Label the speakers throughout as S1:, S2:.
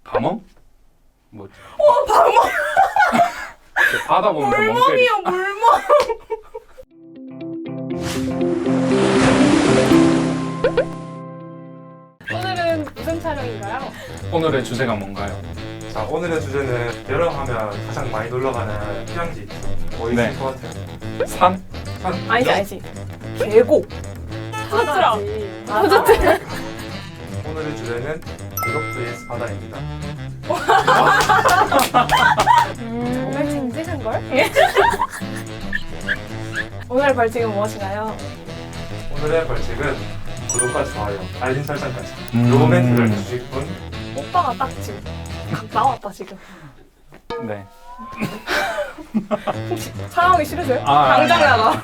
S1: 밤멍? 뭐지?
S2: 방어
S1: 바다 보면서 멍 때리.
S2: 물멍이요 물멍.
S3: 오늘은 무슨 촬영인가요?
S1: 오늘의 주제가 뭔가요?
S4: 자, 오늘의 주제는 여름하면 가장 많이 놀러가는 휴양지 뭐 있을
S1: 네.
S4: 것 같아요?
S1: 산?
S4: 산?
S2: 아니지. 계곡.
S3: 바다지.
S2: 푸드트럭.
S4: 오늘의 주제는 계곡 vs 바다입니다.
S3: 정말 쟁쟁한 걸?
S2: 오늘 벌칙은 무엇인가요?
S4: 오늘의 벌칙은 구독과 좋아요, 알림 설정까지
S1: 음.
S4: 요 멘트를 해주실 분
S2: 오빠가 딱 지금 나왔다 지금.
S1: 네.
S2: 혹시 촬영하기 싫으세요?
S1: 아,
S2: 당장 나가.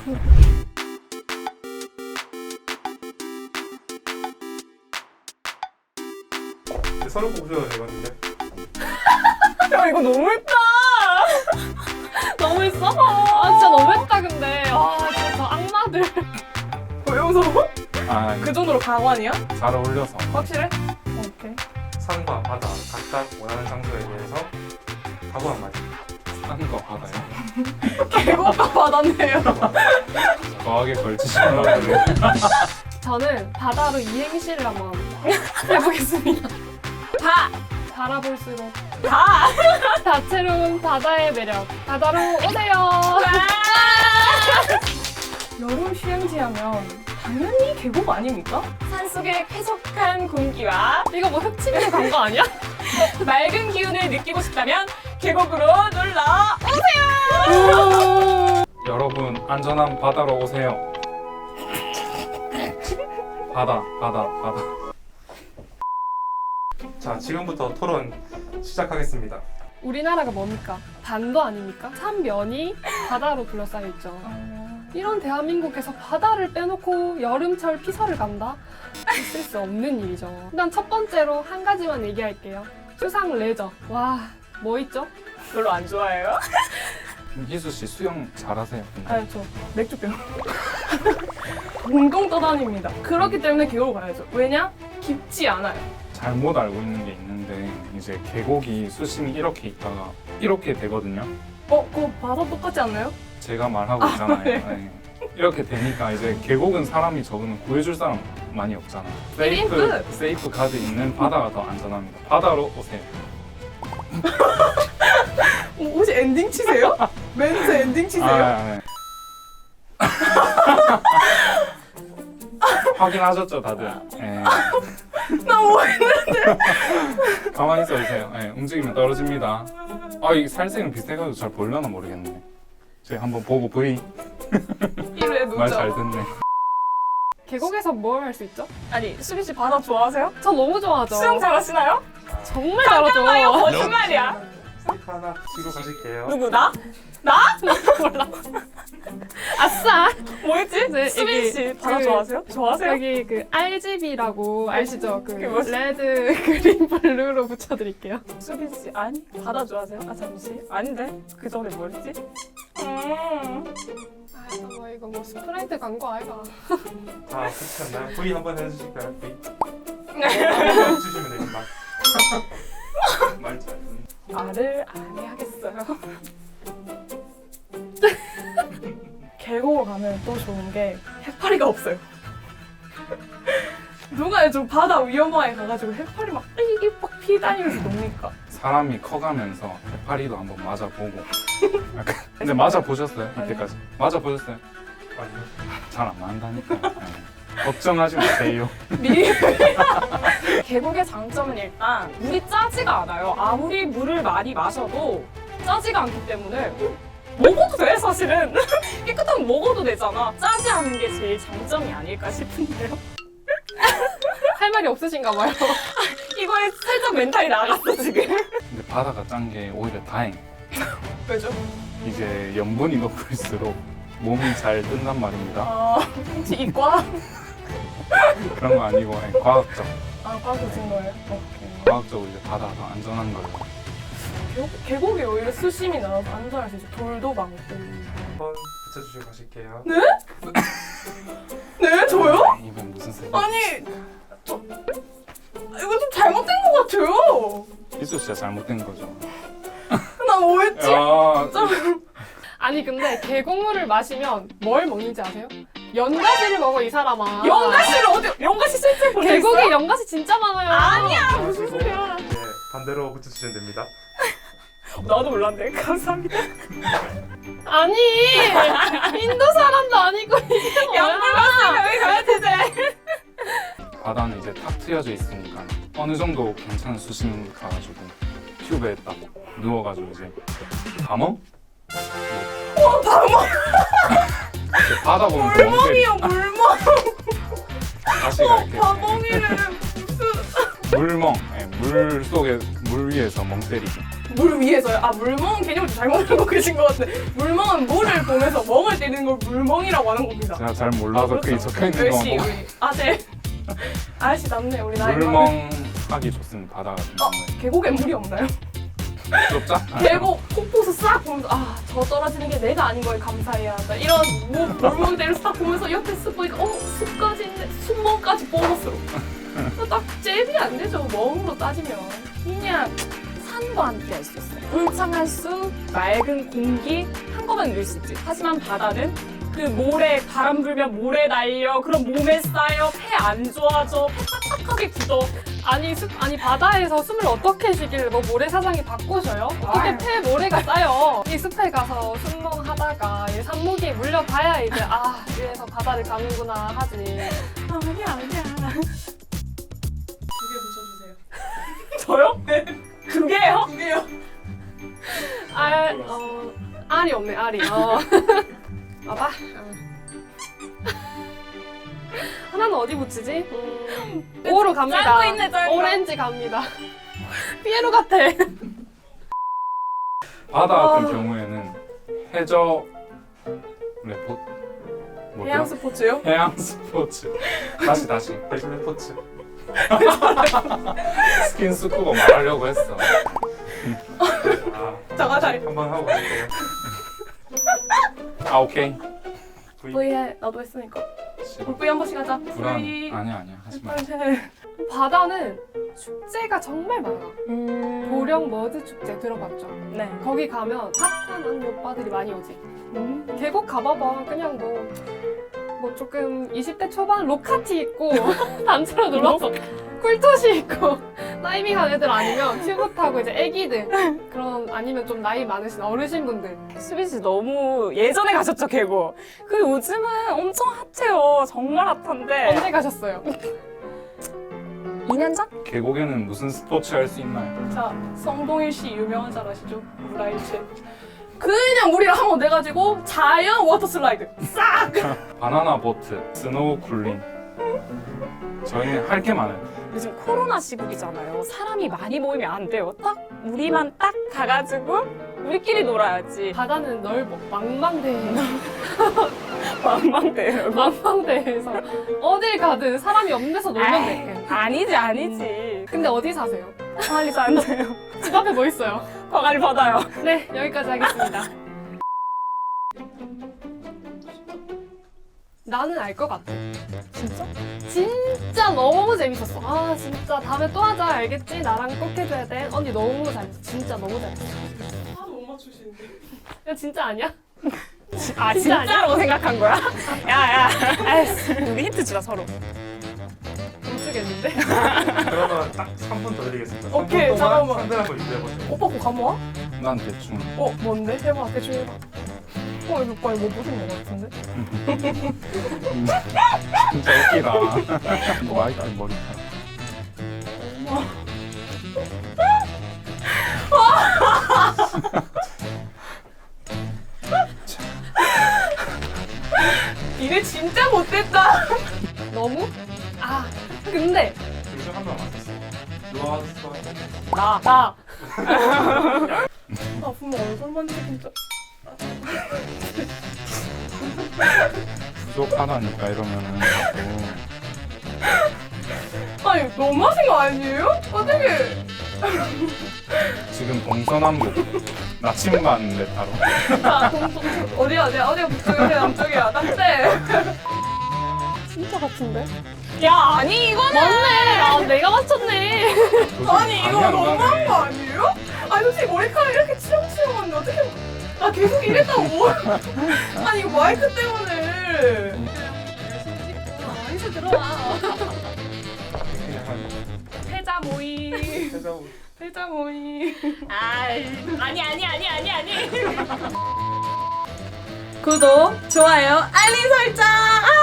S4: 서로 보셔도 되거든요.
S2: 야 이거 너무했다.
S3: 너무했어? 아 진짜 너무했다 근데. 아 진짜 저 악마들.
S2: 왜 웃어?
S1: 아,
S2: 그 정도로 가관이야?
S1: 잘 어울려서.
S2: 확실해? 오케이.
S4: 산과 바다 각각 원하는 장소에 대해서 각오 한마디.
S1: 산과 바다요.
S2: 계곡과 바다네요.
S1: 과하게 걸치시는 거예요.
S3: 저는 바다로 이행시를 한번 해보겠습니다. 바라볼수록
S2: 다.
S3: 다채로운 바다의 매력. 바다로 오세요.
S2: 여름 휴양지 하면 당연히 계곡 아닙니까? 산속의 쾌적한 공기와
S3: 이거 뭐 흑침대 광고 아니야?
S2: 맑은 기운을 느끼고 싶다면 계곡으로 놀러
S1: 여러분 안전한 바다로 오세요. 바다.
S4: 자, 지금부터 토론 시작하겠습니다.
S3: 우리나라가 뭡니까? 반도 아닙니까? 삼면이 바다로 둘러싸여 있죠. 이런 대한민국에서 바다를 빼놓고 여름철 피서를 간다? 있을 수 없는 일이죠. 일단 첫 번째로 한 가지만 얘기할게요. 수상 레저. 와, 뭐 있죠?
S2: 별로 안 좋아해요?
S1: 희수 씨 수영 잘하세요. 근데.
S2: 아니 저 맥주병 동동 떠다닙니다. 그렇기 때문에 계곡을 가야죠. 왜냐? 깊지 않아요.
S1: 잘못 알고 있는 게 있는데 이제 계곡이 수심이 이렇게 있다가 이렇게 되거든요.
S2: 그거 바다 똑같지 않나요?
S1: 제가 말하고 있잖아요. 네. 이렇게 되니까 이제 계곡은 사람이 적으면 구해줄 사람 많이 없잖아. 세이프 가드 있는 바다가 더 안전합니다. 바다로 오세요.
S2: 혹시 엔딩 치세요? 멘트 엔딩 치세요?
S1: 네. 확인하셨죠 다들? 네.
S2: 나 뭐했는데?
S1: 가만히 있어주세요. 네, 움직이면 떨어집니다. 이 살색은 비슷해가지고 잘 보려나 모르겠네. 제가 한번 보고 V
S2: 이래
S1: 말 잘
S2: 놓죠.
S1: 듣네.
S3: 계곡에서 뭘 할 수 있죠?
S2: 아니 수빈 씨 바다 좋아하세요?
S3: 저 너무 좋아하죠.
S2: 수영 잘하시나요?
S3: 정말 잘하죠.
S2: 거짓말이야.
S4: 스티커 하나 치고 가실게요.
S2: 누구 나?
S3: 아싸!
S2: 뭐였지?
S3: 네,
S2: 수빈
S3: 여기
S2: 씨 바다
S3: 그-
S2: 좋아하세요? 좋아하세요?
S3: 여기 그 RGB라고 아시죠? 그
S2: 그게 뭐지?
S3: 레드, 그린, 블루로 붙여드릴게요.
S2: 수빈 씨 아니 바다 좋아하세요? 아 잠시 아닌데 그 전에 뭐였지?
S3: 아, 이거 뭐 스프라이트 광고 아이가.
S4: 자, 끝났나요? V 한번 해주실까요? V. 한번 주시면 됩니다. 말 잘 듣네.
S2: 말을 안 해야겠어요. 계곡을 가면 또 좋은 게 해파리가 없어요. 누가 좀 바다 위험하게 가가지고 해파리 막 피다니면서 놉니까?
S1: 사람이 커가면서 해파리도 한번 맞아보고. 약간- 근데 맞아보셨어요? 이때까지? 맞아보셨어요?
S4: 아니요.
S1: 잘 안 맞는다니까. 네. 걱정하지 마세요.
S2: 계곡의 장점은 일단 물이 짜지가 않아요. 아무리 물을 많이 마셔도 짜지가 않기 때문에 먹어도 돼 사실은. 깨끗하면 먹어도 되잖아. 짜지 않은 게 제일 장점이 아닐까 싶은데요.
S3: 할 말이 없으신가 봐요.
S2: 이거에 살짝 멘탈이 나갔어 지금.
S1: 근데 바다가 짠 게 오히려 다행.
S2: 왜죠?
S1: 이제 염분이 높을수록 몸이 잘 뜬단 말입니다.
S2: 혹시 이과?
S1: 그런 거 아니고 과학적.
S2: 과 보신 거예요? 오케이.
S1: 과학적으로 이제 바다가 더 안전한 거예요.
S2: 계곡이 오히려 수심이 나와서 안전할 수 있어. 돌도 많고.
S4: 한번 붙여주시고 가실게요.
S2: 네? 저요?
S1: 이건 무슨 소리?
S2: 아니 이거 좀 잘못된 것 같아요.
S1: 희수 씨가 잘못된 거죠.
S2: 나 뭐했지?
S1: 야,
S3: 아니 근데 계곡물을 마시면 뭘 먹는지 아세요? 연가시를 먹어 이 사람아.
S2: 연가시를 어디? 연가시 실제 보냈어?
S3: 계곡에 연가시 진짜 많아요.
S2: 아니야 무슨 소리야?
S4: 네, 반대로 붙여주시면 됩니다.
S2: 나도 몰랐네. 감사합니다.
S3: 아니 인도 사람도 아니고 이게 뭐야?
S2: 양불 여기 가야 되지.
S1: 바다는 이제 탁 트여져 있으니까 어느 정도 괜찮은 수심 가가지고 튜브에 딱 누워가지고 이제 밤멍?
S2: 밤멍.
S1: 바다 보면서 멍 때리.
S2: 물멍이요 물멍.
S1: 가시가 이렇게
S2: 밤멍이를
S1: 물멍, 예, 물 속에 물 위에서 멍 때리기.
S2: 물 위에서요? 아 물멍 개념을 잘못 알고 계신 것 같은데 물멍은 물을 보면서 멍을 때리는 걸 물멍이라고 하는 겁니다.
S1: 제가 잘 몰라서 그게 적혀 있는 거
S2: 역시
S1: 보고
S2: 우리 아재 아저씨 남네 우리 나이 많은.
S1: 물멍하기 좋습니다. 바다 같은 경우에.
S2: 계곡에 물이 없나요?
S1: 부럽자?
S2: 계곡 폭포수 싹 보면서 아 저 떨어지는 게 내가 아닌 걸 감사해야 한다 이런 물멍대를 싹 보면서 옆에 쓱 보니까 숲까지 있네 숲멍까지 보너스로 딱 잽이 안 되죠 멍으로 따지면 그냥 산과 함께 할 수 있어요 울창한 숲 맑은 공기 한꺼번에 누릴 수 있지 하지만 바다는 그 모래 바람 불면 모래 날려 그럼 몸에 쌓여 폐 안 좋아져 폐 딱딱하게 굳어
S3: 아니 아니 바다에서 숨을 어떻게 쉬길래 뭐 모래사장이 바꾸셔요? 어떻게 폐 모래가 쌓여? 이 숲에 가서 순멍하다가 이 산모기에 물려봐야 이제 아 이래서 바다를 가는구나 하지.
S2: 아니야. 두 개 붙여주세요. 저요? 네. 두 개요? 두 개요.
S3: 알이 없네 알이. 봐봐. 하나는 어디 붙이지? 오로 갑니다.
S2: 짧고 있네, 짧고.
S3: 오렌지 갑니다. 피에로 같아.
S1: 바다 같은 경우에는 해저 레포 뭐죠?
S2: 해양 스포츠요?
S1: 해양 스포츠. 다시
S4: 대신에 포츠.
S1: 스킨 스쿠버 말하려고 했어.
S2: 잠깐 다리.
S4: 한번 하고 갈게요.
S1: 아 오케이.
S2: V해 나도 했으니까. 우리 V 한 번씩 하자.
S1: 불안.
S2: V.
S1: 아니야 하지 마.
S3: 바다는 축제가 정말 많아.
S2: 음.
S3: 보령 머드 축제 들어봤죠?
S2: 네.
S3: 거기 가면 핫한 언니 오빠들이 많이 오지. 계곡 가봐봐. 그냥 뭐 조금 20대 초반 로카티 입고 단체로 놀러서 쿨토시 입고 다이빙한 애들 아니면 튜브 타고 이제 애기들 그런 아니면 좀 나이 많으신 어르신분들
S2: 수빈 씨 너무 예전에 가셨죠 계곡. 그 요즘은 엄청 핫해요. 정말 핫한데.
S3: 언제 가셨어요?
S2: 2년 전?
S1: 계곡에는 무슨 스포츠 할 수 있나요?
S2: 자, 성동일 씨 유명한 잘 아시죠? 물라이체. 그냥 물이랑 한번 내가지고 자연 워터 슬라이드 싹!
S1: 바나나 보트, 스노우 쿨링. 저희는 할 게 많아요.
S2: 요즘 코로나 시국이잖아요. 사람이 많이 모이면 안 돼요. 딱 우리만 딱 가가지고 우리끼리 놀아야지.
S3: 바다는 넓어. 망망대해.
S2: 망망대요.
S3: 망망대해에서 어딜 가든 사람이 없는 데서 놀면 돼.
S2: 아니지.
S3: 근데 어디 사세요?
S2: 광안리서 안 돼요.
S3: 집 앞에 뭐 있어요?
S2: 광안리 바다요.
S3: 네, 여기까지 하겠습니다. 나는 알 것 같아.
S2: 진짜?
S3: 진짜 너무 재밌었어. 아, 진짜 다음에 또 하자. 알겠지? 나랑 꼭 해줘야 돼. 언니 너무 잘했어. 진짜 너무 잘했어.
S2: 하나도 못 맞추시는데.
S3: 야, 진짜 아니야?
S2: 아
S3: 진짜
S2: 진짜로 생각한 거야? 야야. 우리 힌트 주자 서로.
S3: 못 주겠는데?
S4: 그러면 딱 3분 더 드리겠습니다.
S2: 오케이,
S4: 3분 동안
S2: 잠깐만.
S4: 상대방 거 유지해보세요.
S2: 오빠 거 감모아?
S1: 난 대충.
S2: 뭔데? 해봐 대충 해봐. 이거 오빠 이거 보신 거 같은데?
S1: 진짜 웃기다. 마이크 머리카락.
S2: 니네 진짜 못됐다.
S3: 너무? 아, 근데
S4: 요즘 한명 맞았어. 누가 맞았어?
S2: 나. 아 분명 얼굴 만지기 진짜.
S1: 부족하다니까 이러면은 자꾸.
S2: 아니 너무하신 거 아니에요? 어떻게?
S1: 지금 동서남북 나침반 메타로.
S2: 자 어디야 어디가 북쪽이야 어디가 남쪽이야 딱대.
S3: 진짜 같은데?
S2: 야 아니 이거는
S3: 맞네! 아, 내가 맞췄네.
S2: 아니 이거 너무한 거 아니야? 아니 머리카락 이렇게 치렁치렁한데 어떻게 나 계속 이랬다고. 아니 이거 마이크 때문에.
S3: 어디서 들어와?
S4: 그냥 한
S2: 패자 모임.
S4: 해자고.
S2: 패자 모임. 아니. 구독, 좋아요, 알림 설정.